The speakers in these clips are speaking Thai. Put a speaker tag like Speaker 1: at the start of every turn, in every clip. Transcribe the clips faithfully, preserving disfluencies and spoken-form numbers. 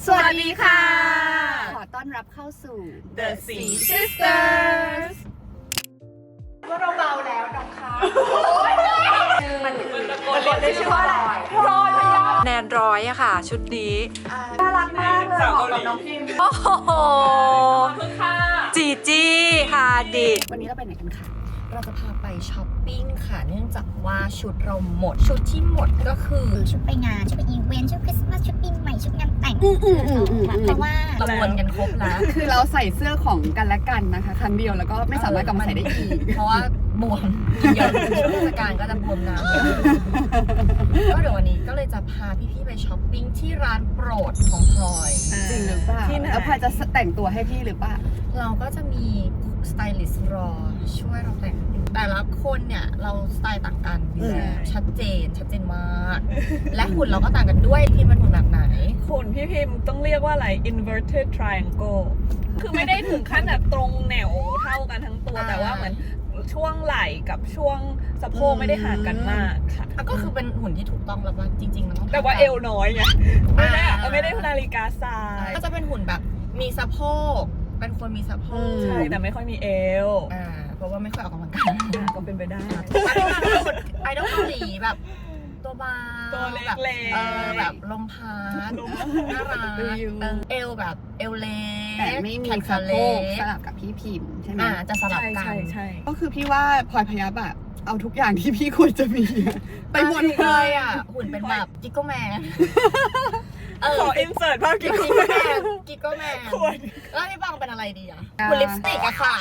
Speaker 1: สวัสดีค่ะขอต้อนรับเข้าสู่
Speaker 2: The Sea Sisters
Speaker 1: ว่าเราเบาแล้วน้องค่ะมันมันตะโกน
Speaker 2: ได้ชื่อว่าอะไรพลอยพยาแนนร้อยอะค่ะชุดนี้น่ารักมากเลยเหมาะกับน้องพิมโอ้โหจีจี้ฮาดิด
Speaker 1: วันนี้เราไปไหนกันคะ
Speaker 3: เราจะพาไปช้อปปิ้งค่ะเนื่องจากว่าชุดเราหมดชุดที่หมดก็คือชุดไปงานชุดไปอีเวนต์ชุดคริสต์มาสชุดปีใหม่ชุดงานแต่งเพราะว่าเราวนกันครบแล้ว
Speaker 1: คือเราใส่เสื้อของกันและกันนะคะครั้งเดียวแล้วก็ไม่สามารถกลับมาใส่ได้อีก
Speaker 3: เพราะว่าบวมเยอะช่วงเทศกาลก็จะบวมน้ำเยอะก็เดี๋ยววันนี้ก็เลยจะพาพี่ๆไปช้อปปิ้งที่ร้านโปรดของพลอย
Speaker 1: จริงหรือเปล่าแล้วพลอยจะแต่งตัวให้พี่หรือเปล่า
Speaker 3: เราก็จะมีสไตลิสต์รอช่วยเราแต่งแต่ละคนเนี่ยเราสไตล์ต่างกันอยู่แล้วชัดเจนชัดเจนมากและหุ่นเราก็ต่างกันด้วยพี่มันหุ่นแบบไหน
Speaker 2: คุณพี่พิมพ์ต้องเรียกว่าอะไร inverted triangle คือไม่ได้ถึงขั้นแบบตรงแนวเท่ากันทั้งตัว แต่ว่าเหมือนช่วงไหล่กับช่วงสะโพกไม่ได้ห่างกันมากค่ะ
Speaker 3: ก็คือเป็นหุ่นที่ถูกต้องแล้วว่าจริงๆมันต้อง
Speaker 2: แต่ว่าเอวน้อยไงไม่ได้ไม่ได้นาฬิกาทราย
Speaker 3: ก็จะเป็นหุ่นแบบมีสะโพกเป็นคนมีสะโพก
Speaker 2: ใช่แต่ไม่ค่อยมีเอว
Speaker 3: อ่าเพราะว่าไม่ค่อยออกกำลังกาย
Speaker 2: ก็เป็นไปได้
Speaker 3: ไอดอลเกาหลีแบบตัวบาง
Speaker 2: ตัวเล็ก
Speaker 3: แบบ
Speaker 2: ๆ
Speaker 3: เออแบบลมพัดน่ารักเอวแบบเอวเล็ก
Speaker 1: แต่ไม่มี
Speaker 3: แขน
Speaker 1: สะ
Speaker 3: ขา
Speaker 1: โพ
Speaker 3: เล็
Speaker 1: ก
Speaker 3: ก
Speaker 1: สลับกับพี่พิมพ์ใช่ไหม
Speaker 3: อ่าจะสลับ
Speaker 2: ใช่
Speaker 3: กัน
Speaker 2: ใช่ใช่
Speaker 1: ก็คือพี่ว่าพลอยพยับอะเอาทุกอย่างที่พี่ควรจะมีไปหมด
Speaker 3: เล
Speaker 1: เลย ย
Speaker 3: อ่ะหุ่นเป็นแบบกิกโกแมนเออ
Speaker 2: ขออินเสิร์ตภาพ
Speaker 3: กิ
Speaker 2: กิ๊
Speaker 3: ก
Speaker 2: ก
Speaker 3: โกแมนกิกโกแมน
Speaker 2: ควร
Speaker 3: แล้วพี่บังเป็นอะไรดีอ่ะหุ่นลิปสติกอะค่ะ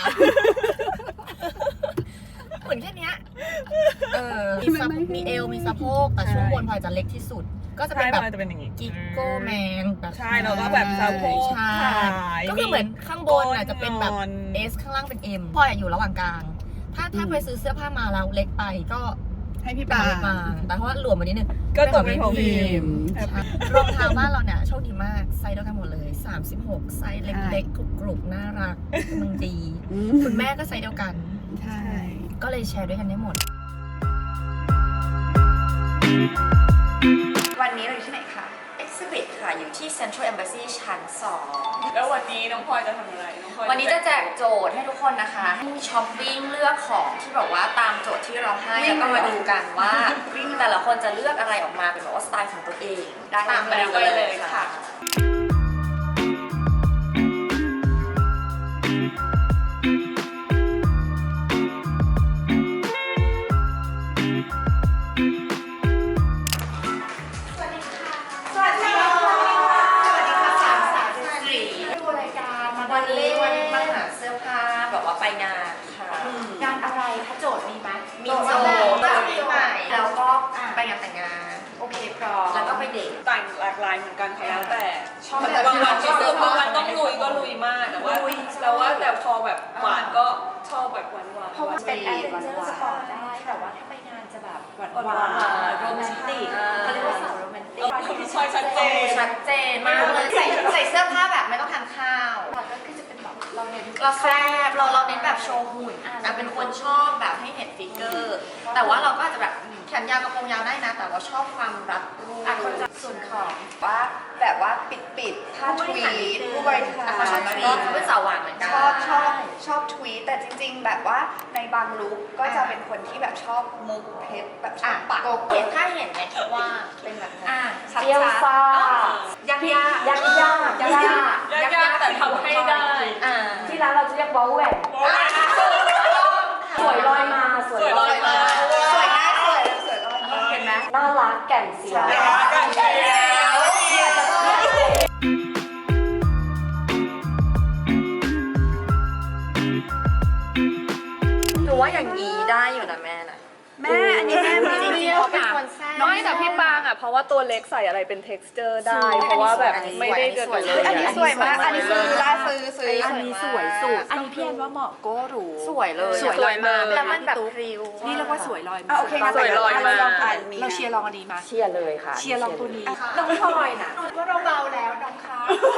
Speaker 3: หุ่นแค่เนี้ยเออมีสะมีเอวมีสะโพกแต่ช่วงบนพลอยจะเล็กที่สุด ก็จะเป็น
Speaker 2: ใช่
Speaker 3: แบบ
Speaker 2: จะเป็นอย่างงี้
Speaker 3: กิกโกแมนแบบ
Speaker 2: ใช่แล้วก็แบบสะโพก
Speaker 3: ใช่
Speaker 2: ขาย
Speaker 3: ก็คือเหมือนข้างบนอ่ะจะเป็นแบบ
Speaker 2: ก้น
Speaker 3: S ข้างล่างเป็น M พลอยอะอยู่ระหว่างกลาง ถ้าถ้าไปซื้อเสื้อผ้ามาแล้วเล็กไปก็
Speaker 1: ให้พี่
Speaker 3: ตา
Speaker 1: ปาม
Speaker 3: มาแต่เพราะว่าหลวมมานิดนึง
Speaker 2: ก็ตกเป็นของพิมพ์
Speaker 3: ใช่รองเท้าบ้านเราเนี่ยโชคดีมากไซส์เดียวกันหมดเลยสามสิบหกไซส์เล็กๆกรุบๆน่ารักมันดี คุณแม่ก็ไซส์เดียวกัน
Speaker 1: ใช่
Speaker 3: ก็เลยแชร์ด้วยกันได้หมด
Speaker 4: วันนี้เราอยู่ที่ไหนคะ Exhibit ค่ะ อยู่ที่ Central Embassy ชั้นสอง
Speaker 2: แล้ววันนี้น้องพลอยจะทำอะไรน้องพลอย
Speaker 4: วันนี้จะแจกโจทย์ให้ทุกคนนะคะให้ช้อปปิ้งเลือกของที่แบบว่าตามโจทย์ที่เราให้ แล้วก็มาดูกันว่าแต่ละคนจะเลือกอะไรออกมาเป็นแบบว่าสไตล์ของตัวเองตามไปดูกันเลยค่ะวันนี้วันนี้มาหาเสื้อผ้าแบบว่าไปงานค่ะงานอะไรคะโจทย์มีไหมมีโจทย์ปีใหม่แล้วก็ไปงานแต่งงานโอเคพร้อมแล้วก็ไปเดท
Speaker 2: แต่งหลากหลายเหมือนกันค่ะแล้วแต่
Speaker 4: ชอบ
Speaker 2: แต่บางวันก็คือบางวันต้องลุยก็ลุยมากแต่ว่าแต่ว่าแต่พอแบบหวานก็ชอบแบบหวานหวาน
Speaker 4: เพราะว่าเป็นแอดเวนเจอร์สปอร์ตได้แต่ว่าถ้าไปงานจะแบบหวานหวานโรแมนติกเขาเรียกว่าสาวโรแมนติก
Speaker 2: ชอยชัดเจน
Speaker 4: ชัดเจนมากเลยใส่ใส่เสื้อผ้าแบบไม่ต้องทานข้าวก็คือจะเป็นแบบเราเน้นเราแซ่บเราเราเน้นแบบโชว์หุ่นอ่ะเป็นคนชอบแบบให้เห็นฟิกเกอร์แต่ว่าเราก็อาจจะแบบแขนยาวกระโปรงยาวได้นะ แต่ว่าชอบความรัดรูปส่วนของว่าแบบว่าปิดปิดผ้าทวีตผู้บริหารเขาชอบทวีตเขาเป็นสาวหวานเหมือนกัน
Speaker 5: ชอบชอบชอบทวีตแต่จริงๆ แบบว่าในบางลุคก็จะเป็นคนที่แบบชอบมุกเพชรแบบชอบปัก
Speaker 4: เห็นถ้าเห็นไหมคิดว่าเป็นแบบนั้น
Speaker 5: อ่ะชัด
Speaker 4: เจียว
Speaker 5: ๆ
Speaker 4: ฟ้ายากยากยากยากยากยาก
Speaker 2: ยากๆแต่ทำให้ได้
Speaker 4: อ่า
Speaker 6: ที่ร้านเราจะเรียกวอลแหวนสวยลอยมาสวย
Speaker 2: สวยลอยมา
Speaker 5: สวยง่ายสวยสวยลอยมา
Speaker 4: เห็นไหม
Speaker 6: น่ารักแก่นเสียว
Speaker 2: กันเชียว
Speaker 4: หนูว่าอย่างนี้ได้อยู่นะแม่นะ
Speaker 5: แม่อันนี้แม่มาจริงๆเขาเป็นคนแซ่บ
Speaker 2: น้อยแต่พี่ปางอ่ะเพราะว่าตัวเล็กใส่อะไรเป็น texture ได้ เพราะว่าแบบไม่ได้เกิดเลย
Speaker 5: อันนี้สวยมาก อันนี้ซื้อได้ซื้อซื้อ
Speaker 6: อันนี้สวยสุดอันนี้พี่แอนว่าเหมาะโก้หรู
Speaker 4: สวยเลย
Speaker 2: สวยลอยมา
Speaker 4: แล้วมันแบบพริ้ว
Speaker 6: นี่เรียกว่าสวยลอยมา
Speaker 5: อ่ะโอเคงั้น
Speaker 2: สวยลอยมา
Speaker 5: เราลองอันนี้
Speaker 6: เราเชียร์ลองอันนี้มาเชียร์เลยค่ะ เชียร์ลองตัวนี้
Speaker 5: น้องพลอยน่ะว่าเราเบาแล้วน้องคะ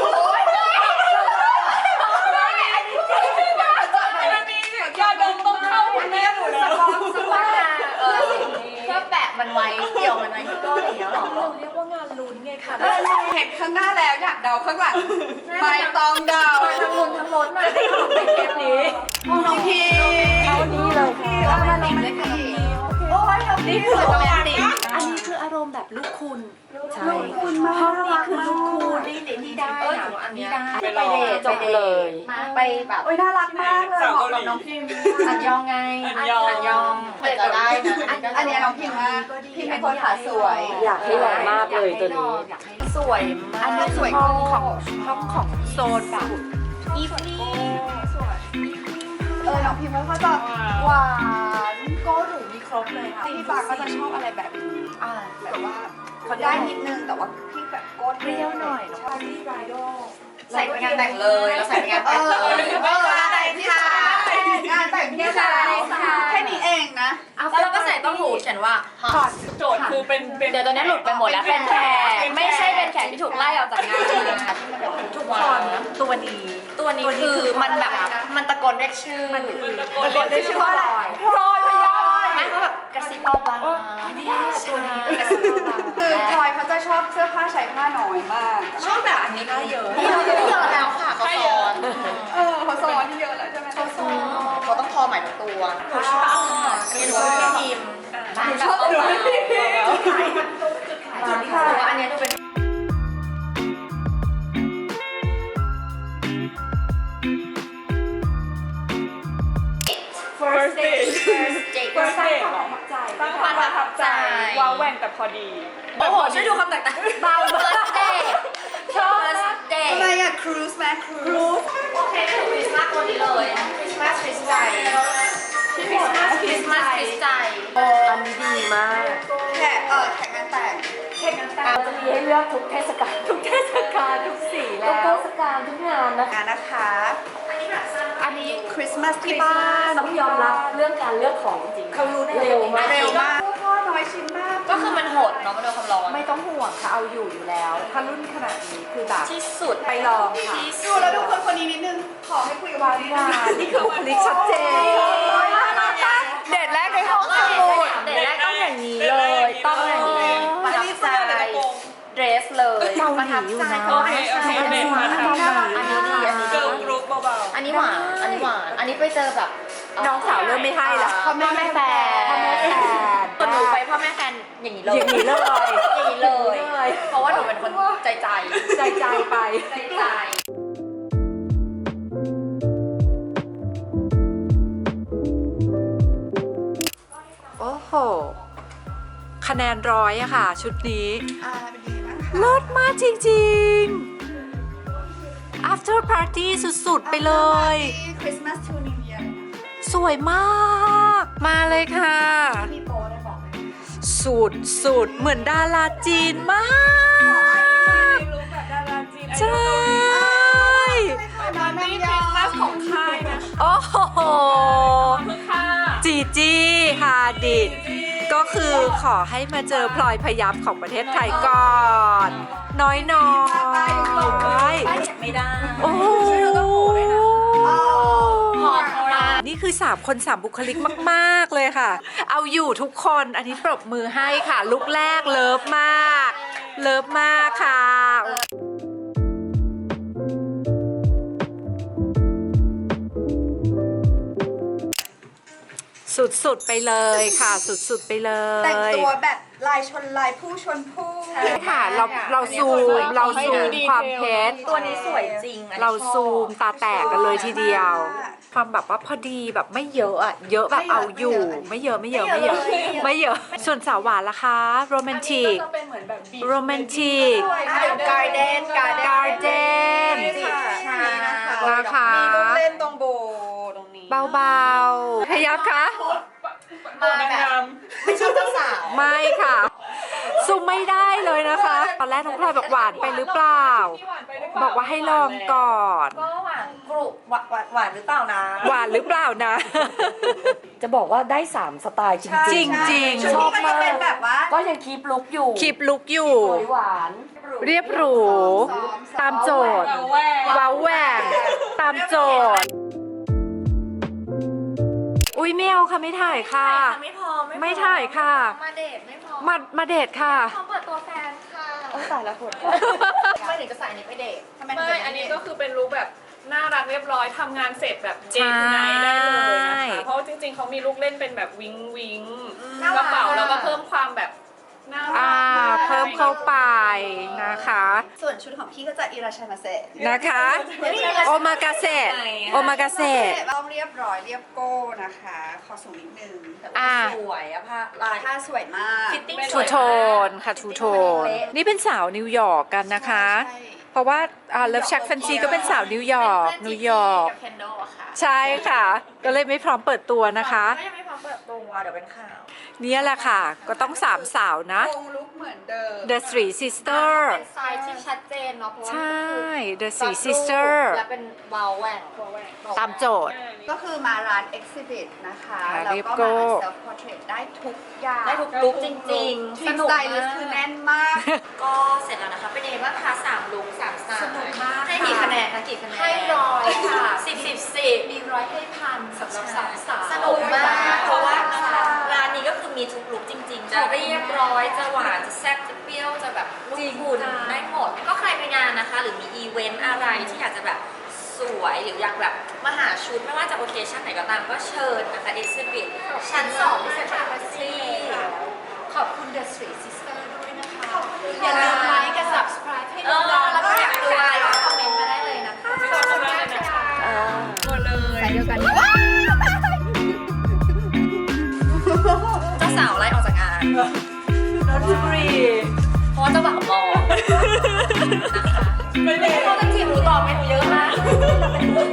Speaker 2: ยาดมต้องเข้าคุณแม่หนูนะ
Speaker 4: สปาเออเพื่อแปะมันไว้เกี่ยวมันไว้ที่ก้นอย่างเงี้ยหรอ
Speaker 6: เราเรียกว่างานลุ้นไง
Speaker 4: ค่ะ
Speaker 5: เห็นข้างหน้าแล้วอยากเดาข้างหลังไม่ต้องเดา
Speaker 4: ทั้งลุ้นทั้งล้นมาได้ของในเทปนี้
Speaker 5: น้องพีเอานี้เลยค่ะเอามาลงเลยค่ะโอ้ยน้องพี
Speaker 6: นี่คือ
Speaker 5: โรแมนติก
Speaker 6: อันนี้คืออารมณ์แบบลูกคุณ
Speaker 5: ใช่คุณมาก
Speaker 6: ห้องนี้คือลูกคุณ
Speaker 4: นี่นี่ได้นะอันนี้ได้
Speaker 6: ไปเดทจบเลย
Speaker 4: ไปแบบ
Speaker 5: โอ้ยน่ารักมากเลยเหมาะกับน้องพิม
Speaker 4: อันยองไง
Speaker 2: อันยอง
Speaker 4: อันยองเปิดจะได้นะ
Speaker 5: อันนี้น้องพิมมากพิมเป็นคนขาสวย
Speaker 6: อยากให้ลองมากเลยตัวนี้
Speaker 4: สวยมาก
Speaker 5: อันนี้สวย
Speaker 4: ห้อง
Speaker 5: ข
Speaker 4: ข
Speaker 5: อ
Speaker 4: อง งห้องของโซนแบบอีฟนี่
Speaker 5: เออน้องพิมเขาจะหวานโก้หรูมีครบเลยค่ะพี่ปาก็จะชอบอะไรแบบนี้อ่าแบบว่าเขาได้นิดนึงแต่ว่าพี่แบบโก้เปรี้ยวหน่อยชอบที่ไรโด
Speaker 4: ใส่ไปงานแต่งเลยแล้วใส่ไปงานแต่งเลย
Speaker 5: เออแต่งที่ค่ะงานแต่งที่ค่ะแค่นี้เองนะ
Speaker 4: แล้วเราก็ใส่ต้มหูเขียนว่าฮอต
Speaker 2: โจทย์คือเป็นเป็น
Speaker 4: เดี๋ยวตอนนี้หลุดไปหมดแล้วเป็นแขกไม่ใช่เป็นแขกที่ถูกไล่ออกจากงานทุกคนตัวนี้ตัวนี้คือมันแบบมันตะโกนเรียกชื่อ
Speaker 2: มันตะโกน
Speaker 5: ตะโกนได้ชื่อว่าอะไร
Speaker 4: พลอยพยอยไม่เขาแบบกระซิบเบาๆไม่ได้ตัวนี้กระซิบเบาๆ
Speaker 5: คือพลอยเขาจะชอบเสื้อผ้าใช้ผ้าน้อยมาก
Speaker 4: ชอบแบบอันนี้ก็เยอะนี่เราจะไม่เยอะแล้วค่ะเขาสอน
Speaker 5: เออเขาซ้อนที่เยอะแล้วใช่ไหมเขาซ้อน
Speaker 4: เขาต้องคอใหม่ทุกตัวหนูชอบไม่รู้ว่าพี่พิม
Speaker 5: ชอบดูพี่พิม
Speaker 4: จุดขายจุดขายอันนี้ดูเป็น
Speaker 2: first date first date เหรอสร้างความประทับใจว้าวแหว่งแต่พอดี
Speaker 4: โอ้โหช่วยดูคำแตกต่างเบา first date ชอบ first date
Speaker 5: ทำไมอะครูซไหมครูซ
Speaker 4: โอเคก็คือคริสต์มาสตัวนี้เลยคริสต์มาสคริสต์ใจคริสต์มาสคริสต์มาสคริสต์ใจ
Speaker 6: อันนี้ดีมาก
Speaker 5: แขกเออแขกงานแต่ง
Speaker 6: เราจะมีให้เลือกทุกเทศกาลทุกเทศกาลทุกสีแล้วทุกเทศกาลทุกงานนะคะ
Speaker 5: งานนะคะ อันนี้คริสต์มาสที่บ้าน
Speaker 6: ต้องยอมรับเรื่องการเลือกของจริง
Speaker 5: เขารู้
Speaker 6: เร็วมาก
Speaker 5: เร็วมากพ่อน้อยชิ้นมาก
Speaker 4: ก็คือมันโหดเนาะมันโดนความร้อน
Speaker 6: ไม่ต้องห่วงค่ะเอาอยู่อยู่แล้ว ถ้ารุ่นขนาดนี้คือแบบ
Speaker 4: ที่สุด
Speaker 6: ไปลองค่ะ
Speaker 4: ที่
Speaker 5: ดู
Speaker 4: สุด
Speaker 5: แล้วดูคนคนนี้นิดนึง ขอให้คุยกับวันนี้นะ
Speaker 6: นี่คือบุคลิกชัดเจน
Speaker 5: เดทแรกในห้อง
Speaker 4: เด็
Speaker 5: สมุด
Speaker 4: กแรกต้องอย่างนี้เลยต้องอย่างนี้ประทับใจเดรสเลยประทับใจ
Speaker 2: โอเคโอเคเบนมาทำ
Speaker 4: อันนี้ดีอันนี้
Speaker 2: เกิ
Speaker 4: ดี
Speaker 2: ร์ลกรุ๊ปเบา
Speaker 4: อันนี้หวานอันนี้หวานอันนี้ไปเจอแบบ
Speaker 6: น้องสาวเริ่มไม่ให้ละ
Speaker 4: พ่อแม่แม่แฟน
Speaker 6: พ่อแม่แฟน
Speaker 4: คนหนูไปพ่อแม่แฟนอย่างนี้เลย
Speaker 6: อย่างนี้เลย
Speaker 4: อย่างนี้เลย
Speaker 6: อย่างนี้เลย
Speaker 4: เพราะว่าหนูเป็นคนใจใจ
Speaker 6: ใจใจไป
Speaker 4: ใจใจ
Speaker 7: โอ้โห คะแนนร้อยอะค่ะ ชุดนี้
Speaker 5: อ่าเป็นดีมาก
Speaker 7: เลิศมากจริงๆ after party สุดๆ ไปเลย
Speaker 5: คริสต์มาสทูนิวเยียร์
Speaker 7: สวยมาก มาเลยค่ะ
Speaker 5: มีโปรได้บอกเลย
Speaker 7: สุดสุดๆเหมือนดาราจีนมาก
Speaker 2: ๆรู้แบบดาราจีน
Speaker 7: ใช่
Speaker 5: มาแม่
Speaker 2: นี่
Speaker 5: ย
Speaker 2: คริ
Speaker 5: อ
Speaker 2: สต์มาสของค่ายนะ
Speaker 7: โอ้โห
Speaker 2: คือค่ะ
Speaker 7: จีจีฮาดิดก็คือขอให้มาเจอพลอยพยับของประเทศไทยก่อน น้อยน้อย
Speaker 4: ไม่ได้
Speaker 7: โอ้โห
Speaker 4: หอมมาก
Speaker 7: นี่คือสามคนสามบุคลิกมาก ๆ เลยค่ะ เอาอยู่ทุกคนอันนี้ปรบมือให้ค่ะ ลุกแรกเลิฟมาก เลิฟมากค่ะ สุด ๆ ไปเลยค่ะ สุด ๆ ไปเลย
Speaker 5: แต่งตัวแบบลายชนลายผู้ชนผู้
Speaker 7: ค่ะ เราเราซูมเราซูมความเพชร
Speaker 4: ตัวนี้สวยจริงอันนี้
Speaker 7: เรา
Speaker 4: ชอบ
Speaker 7: ซูมตาแตกกันเลยทีเดียว ความแบบว่าพอดีแบบไม่เยอะอะเยอะแบบเอาอยู่ ไม่เยอะไม่เยอะไม่เยอะไม่เยอะ ส่วนสาวหวานล่ะคะโรแมนติก
Speaker 2: จะเป็นเหมือนแบบบี
Speaker 7: โรแมนติก
Speaker 5: การ์เดนการ์เดน
Speaker 7: การ์เดน
Speaker 5: ใช่นะคะ
Speaker 7: นะคะ
Speaker 5: มีลูกเล่นตรงโบตรงนี้
Speaker 7: เบาๆพยับคะ
Speaker 2: ตัวงาม
Speaker 4: ไม่ชอบเจ้าสาว
Speaker 7: ไม่ค่ะซูมไม่ได้เลยนะคะ ตอนแรกน้องพลอยบอกหวานไปหรือเปล่า
Speaker 2: ที่หวานไปหรือเปล่า
Speaker 7: บอกว่าให้ลองก่อน
Speaker 4: ก็หวานกรุบหวานหวานหวานหรือเปล่านะ
Speaker 7: หวานหรือเปล่านะ
Speaker 6: จะบอกว่าได้สามสไตล์จริง
Speaker 7: จริงจริง
Speaker 5: ชุดนี้มันจะเป็นแบบว่า
Speaker 6: ๆ ก็ยังคีปลุกอยู่
Speaker 7: คลิปลุกอยู่
Speaker 6: สวยหวาน
Speaker 7: เรียบหรู ตามโจทย์
Speaker 2: เอาแหวก
Speaker 7: ว้าวแหวกตามโจทย์ อุ้ยไม่เอาค่ะไม่ถ่ายค่ะ
Speaker 4: ไม่พอ
Speaker 7: ไม่ถ่ายค่ะ
Speaker 4: มาเดทไม่พอ
Speaker 7: มามาเดทค่ะ
Speaker 4: พร้อมเปิดตัวแฟนค่ะ
Speaker 5: โอ้ตายแล้วปวด
Speaker 4: ทำไมถึงจะใส่อันนี้ไปเดททำไมถึง
Speaker 2: ไม่
Speaker 4: จะ
Speaker 2: อันนี้ก็คือเป็นลุคแบบน่ารักเรียบร้อยทำงานเสร็จแบบเจนไนได้เลยนะคะเพราะจริงๆเขามีลุคเล่นเป็นแบบวิงวิงกระเป๋าแล้วก็เพิ่มความแบบน่ารั
Speaker 7: อ่าก เพิ่มเข้าไปนะคะ
Speaker 5: ส่วนชุดของพี่ก็จะอิราชามาเซะ
Speaker 7: นะคะ โอมากาเซะโอมากาเซะ
Speaker 5: ต้องเรียบร้อยเรียบโก้นะคะขอสูงนิดนึงแต่ว่า
Speaker 7: อ่า
Speaker 5: สวยอะผ้าลายผ้าสวยมาก
Speaker 4: ฟิตติ้ง
Speaker 7: ทูโทนค่ะทูโทน นี่เป็นสาวนิวยอร์กกันนะคะ
Speaker 5: ใช่
Speaker 7: เพราะว่าเลิฟชักแฟนซีก็เป็นสาวนิวยอร์กนิวยอร์ก
Speaker 4: กับเคนโดอะค่ะ
Speaker 7: ใช่ค่ะ ก็เลยไม่พร้อมเปิดตัวนะคะ
Speaker 4: ก็ยังไม่พร้อมเปิดตัวเดี๋ยวเป็นข่าว
Speaker 7: เนี่ยแหละค่ะ ก็ต้องสามสาวนะ
Speaker 5: คงลุกเหมือนเดิม
Speaker 7: The Three Sister
Speaker 4: เป็นไซส์ที่ชัดเจนเนาะเพราะว่า
Speaker 7: ใช่ The
Speaker 4: มัน
Speaker 7: Three
Speaker 4: คือ
Speaker 7: Sister
Speaker 4: และเป็นวาวแหวน
Speaker 7: ตามโจทย์
Speaker 5: ก็คือมาร้าน Exhibit นะคะ
Speaker 7: ค่ะ
Speaker 5: แล้ว
Speaker 7: เรียบ
Speaker 5: ก็
Speaker 7: โก้
Speaker 5: มา self portrait ได้ทุกอย่าง
Speaker 4: ได้ทุกลุคจริงๆ
Speaker 5: ทีมสไตลิสต์คือแน่นมาก
Speaker 4: ก็เสร็จแล้วนะคะ เป็นยังไงบ้างคะสามลุคสามสไตล์
Speaker 5: สนุกมาก
Speaker 4: ให้กี่คะแนนคะกี่คะแนน
Speaker 6: ให้ร้อยค่ะ
Speaker 4: สิบสิบสิบ
Speaker 6: มีร้อยให้พันสำหรับสามสาว
Speaker 4: สนุกมาก เพราะว่าร้านนี้ก็คือมีทุกลุคจริงๆ จะเรียบร้อย จะหวาน จะแซ่บ จะเปรี้ยว จะแบบลูกคุณได้หมด ก็ใครไปงานนะคะ หรือมีอีเวนต์อะไรที่อยากจะแบบสวยหรืออยากแบบมาหาชุดไม่ว่าจะโอเคชั่นไหนก็ตามก็เชิญนะคะ Exhibit ชั้นสองที่เซ็นทรัลพาร์ซี่
Speaker 6: ขอบคุณ The Three Sister ด้วยนะคะ
Speaker 5: อย่าลืมไลค์กับ subscribe ให้
Speaker 4: เอ
Speaker 5: ดู
Speaker 4: อ
Speaker 5: เรา
Speaker 4: แล้ว
Speaker 5: แล้ว
Speaker 4: ก็
Speaker 5: ก็อยาก ก
Speaker 4: อายดู
Speaker 5: ดู
Speaker 4: อะ
Speaker 5: อะไร ไร
Speaker 4: ก็คอมเมนต์มาได้เลยนะคะ
Speaker 2: ขอบคุณมากเลยนะคะหมดเลย
Speaker 3: เดียวกัน
Speaker 4: เจ้าสาวไล่ออกจากงาน
Speaker 2: นนทบุรี
Speaker 4: เพราะว่าเจ้าบ่าวมองนะคะไม่ได้เขาจะจีบหนูต่อไปหนูเยอะมาก